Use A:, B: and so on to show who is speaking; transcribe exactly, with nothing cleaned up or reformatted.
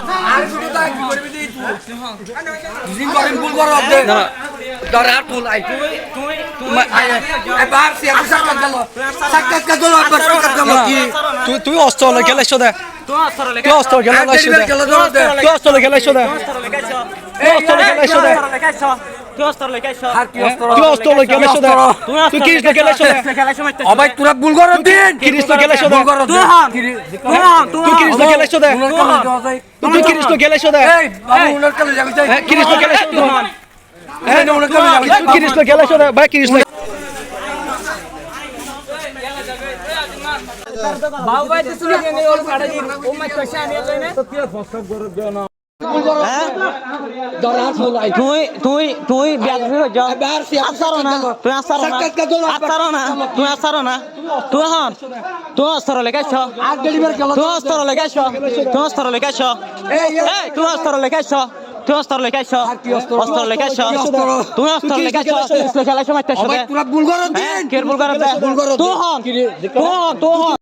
A: আর শুধু তাই কি করবি দি জিম করেন ভুল করো দে না দরে আর তুই আই তুই তুই তুই এবার সে সাক্ষাৎ গেল সাক্ষাৎ কা দল আবার সাক্ষাৎ গেল কি
B: তুই তুই অস্ত্র লই গেলেছ দে
C: তুই অস্ত্র লই
B: তুই অস্ত্র গেলেছ দে তুই অস্ত্র লই গেলেছ দে তুই অস্ত্র লই গেলেছ দে
C: তুই অস্ত্র লই গেছ
A: আর কি অস্ত্র
B: তুই অস্ত্র লই গেলেছ দে তুই কি লই গেলেছ দে
A: অবাই তোরা ভুল করো দিন
B: কি লই গেলেছ দে
A: ভুল করো
C: তুই হন তুই হন
B: তুই কি লই গেলেছ দে তুই কি লই গেলেছ দে
A: এই বাবু উনার কাছে যাবি যাই
B: কি লই গেলেছ দে
A: এই না উনার কাছে যাবি
B: তুই কি লই গেলেছ দে ভাই কি লই
C: বাবু ভাই তুই শুনে নে ওর কাটা দি ও মাই কইছে আমি লইনে তুই তুই তুই ব্যাগ হয়ে যা আসারো না তুই আসারো না আসারো না তুই আসারো না তুই হন তুই অস্ত্র লেগাইছ তুই অস্ত্র লেগাইছ তুই অস্ত্র লেগাইছ এই তুই অস্ত্র লেগাইছ তুই অস্ত্র লেগাইছ অস্ত্র লেগাইছ তুই অস্ত্র লেগাইছ তুই খেলাইছ মারতেছ
A: অবাই তোরা ভুল করো দিন
C: কে ভুল করবে তুই হন তুই হন তুই হন